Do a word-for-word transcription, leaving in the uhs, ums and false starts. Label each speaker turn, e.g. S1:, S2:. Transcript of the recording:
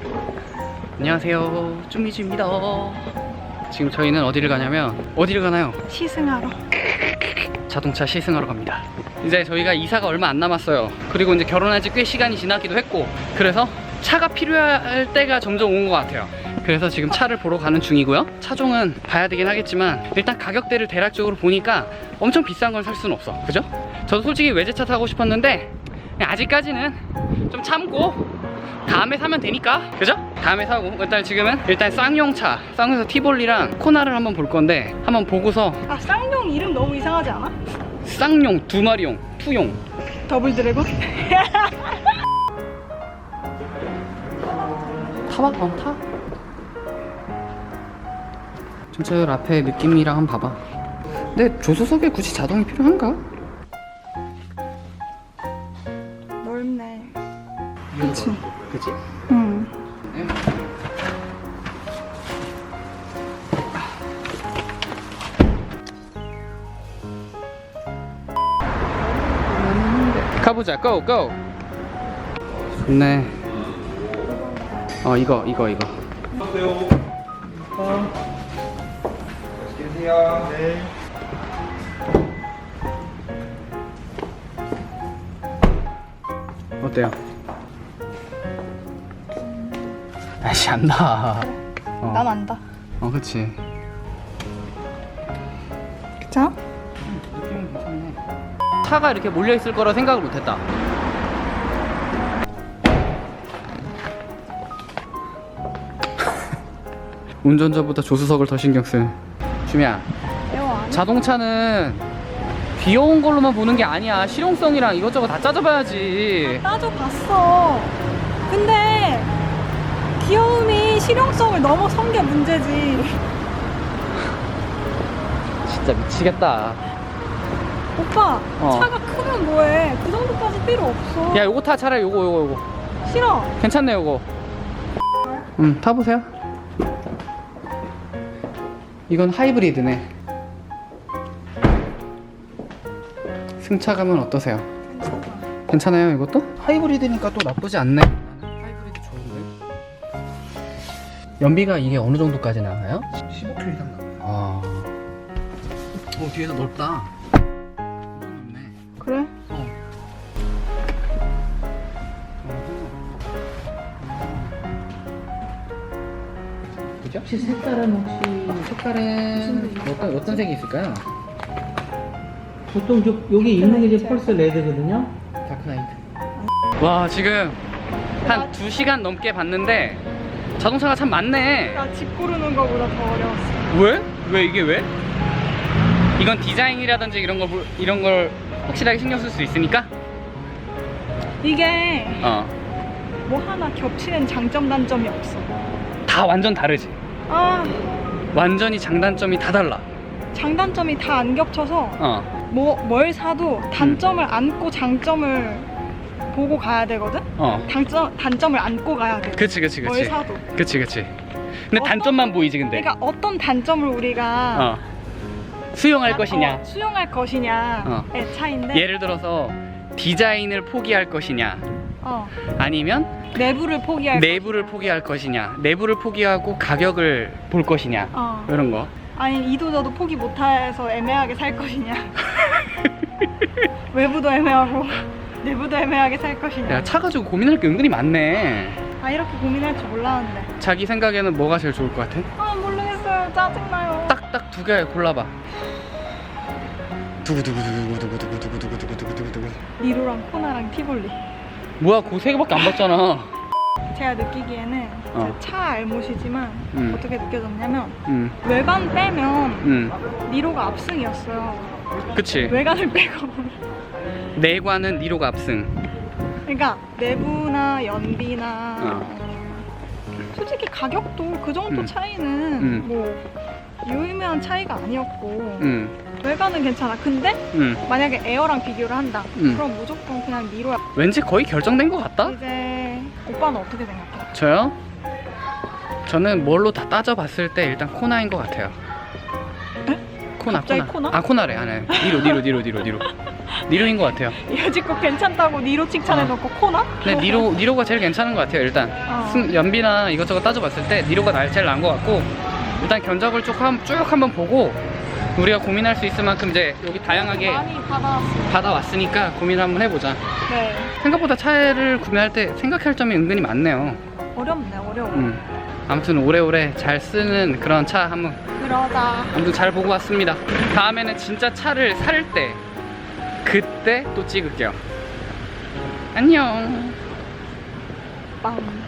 S1: 안녕하세요, 쭈미즈입니다. 지금 저희는 어디를 가냐면 어디를 가나요?
S2: 시승하러.
S1: 자동차 시승하러 갑니다. 이제 저희가 이사가 얼마 안 남았어요. 그리고 이제 결혼한 지 꽤 시간이 지나기도 했고, 그래서 차가 필요할 때가 점점 온 것 같아요. 그래서 지금 차를 보러 가는 중이고요. 차종은 봐야 되긴 하겠지만 일단 가격대를 대략적으로 보니까 엄청 비싼 걸 살 수는 없어, 그죠? 저도 솔직히 외제차 타고 싶었는데 아직까지는 좀 참고 다음에 사면 되니까, 그죠? 다음에 사고, 일단 지금은 일단 쌍용차, 쌍용차 티볼리랑 코나를 한번 볼 건데, 한번 보고서.
S2: 아, 쌍용 이름 너무 이상하지 않아?
S1: 쌍용, 두 마리용, 투용.
S2: 더블 드래곤?
S1: 타봐, 어, 타. 전체적으로 앞에 느낌이랑 한번 봐봐. 근데 조수석에 굳이 자동이 필요한가?
S2: 넓네. 그치?
S1: 그치?
S2: 응.
S1: 네. 가보자, 고! 고! 좋네. 어, 이거, 이거, 이거.
S3: 안녕하세요. 어. 맛있게 드세요. 네.
S1: 어때요? 아이씨, 안다. 어.
S2: 난 안다.
S1: 어, 그치.
S2: 그쵸?
S1: 느낌은 괜찮네. 차가 이렇게 몰려있을 거라 생각을 못했다. 운전자보다 조수석을 더 신경 쓴 주미야.
S2: 에어 안 해?
S1: 자동차는 귀여운 걸로만 보는 게 아니야. 실용성이랑 이것저것 다 따져봐야지.
S2: 따져봤어. 근데 귀여움이 실용성을 넘어선 게 문제지.
S1: 진짜 미치겠다.
S2: 오빠,
S1: 어.
S2: 차가 크면 뭐해? 그 정도까지 필요 없어.
S1: 야, 요거 타. 차라리 요거 요거 요거
S2: 싫어.
S1: 괜찮네. 요거 응, 타보세요. 이건 하이브리드네. 승차감은 어떠세요? 괜찮아요, 이것도? 하이브리드니까 또 나쁘지 않네. 하이브리드 좋은데? 연비가 이게 어느 정도까지 나와요?
S3: 십오 킬로미터 이상 나와요.
S1: 아. 오, 뒤에서 넓다. 엄청 넓네.
S2: 그래?
S1: 어. 그죠?
S4: 혹시 색깔은 혹시
S1: 색깔은 어떤, 어떤 색이 있을까요?
S4: 보통 저, 여기 있는 게 이제 펄스 레드거든요.
S1: 다크나이트. 와, 지금 한 두 시간 넘게 봤는데 자동차가 참 많네.
S2: 나 집 고르는 거보다 더 어려웠어.
S1: 왜? 왜 이게 왜? 이건 디자인이라든지 이런 걸 볼- 이런 걸 확실하게 신경 쓸 수 있으니까.
S2: 이게
S1: 어.
S2: 뭐 하나 겹치는 장점 단점이 없어.
S1: 다 완전 다르지.
S2: 아,
S1: 완전히 장단점이 다 달라.
S2: 장단점이 다 안 겹쳐서
S1: 어.
S2: 뭐 뭘 사도 단점을 안고 장점을 보고 가야 되거든?
S1: 어.
S2: 단점, 단점을 안고 가야 돼.
S1: 그치 그치
S2: 뭘
S1: 그치.
S2: 사도.
S1: 그치 그치. 근데
S2: 어떤-
S1: 단점만 보이지 근데.
S2: 그러니까 어떤 단점을 우리가
S1: 어. 수용할
S2: 아,
S1: 것이냐.
S2: 어, 수용할 것이냐의
S1: 어.
S2: 차이인데
S1: 예를 들어서 디자인을 포기할 것이냐,
S2: 어,
S1: 아니면
S2: 내부를 포기할
S1: 내부를 포기할 것이냐, 내부를 포기하고 가격을 볼 것이냐,
S2: 어.
S1: 이런 거.
S2: 아니 이도저도 포기 못해서 애매하게 살 것이냐 외부도 애매하고 내부도 애매하게 살 것이냐.
S1: 야, 차 가지고 고민할 게 은근히 많네.
S2: 아, 이렇게 고민할 줄 몰랐는데.
S1: 자기 생각에는 뭐가 제일 좋을 것 같아?
S2: 아, 모르겠어요. 짜증나요.
S1: 딱딱 두 개 골라봐. 두구두구두구두구두구두구두구두구두구두구.
S2: 니로랑 코나랑 티볼리.
S1: 뭐야, 그 세 개밖에 안 봤잖아.
S2: 제가 느끼기에는
S1: 어.
S2: 제 차 알못이지만
S1: 음.
S2: 어떻게 느껴졌냐면
S1: 응,
S2: 외관 빼면
S1: 응,
S2: 니로가 압승이었어요.
S1: 그치.
S2: 외관을 빼고.
S1: 내관은 니로가 압승.
S2: 그러니까 내부나 연비나
S1: 어.
S2: 솔직히 가격도 그 정도
S1: 음.
S2: 차이는
S1: 음.
S2: 뭐 유의미한 차이가 아니었고
S1: 응,
S2: 외관은 괜찮아. 근데
S1: 응.
S2: 만약에 에어랑 비교를 한다.
S1: 음.
S2: 그럼 무조건 그냥 니로야.
S1: 왠지 거의 결정된 것 같다?
S2: 이제 오빠는 어떻게 생각해?
S1: 저요? 저는 뭘로 다 따져봤을 때 일단 코나인 것 같아요.
S2: 에?
S1: 코나,
S2: 갑자기
S1: 코나.
S2: 코나?
S1: 아, 코나래. 아, 네. 니로, 니로, 니로, 니로, 니로. 니로인 것 같아요.
S2: 여지껏 괜찮다고 니로 칭찬해놓고 코나?
S1: 근데 니로, 니로가 제일 괜찮은 것 같아요. 일단
S2: 어.
S1: 승- 연비나 이것저것 따져봤을 때 니로가 나- 제일 나은 것 같고, 일단 견적을 쭉, 한, 쭉 한번 보고 우리가 고민할 수 있을 만큼 이제 여기 다양하게
S2: 많이 받아왔어요.
S1: 받아왔으니까 고민을 한번 해보자.
S2: 네.
S1: 생각보다 차를 구매할 때 생각할 점이 은근히 많네요.
S2: 어렵네, 어려워.
S1: 음. 아무튼 오래오래 잘 쓰는 그런 차 한번
S2: 그러자.
S1: 아무튼 잘 보고 왔습니다. 다음에는 진짜 차를 살 때 그때 또 찍을게요. 안녕.
S2: 빵.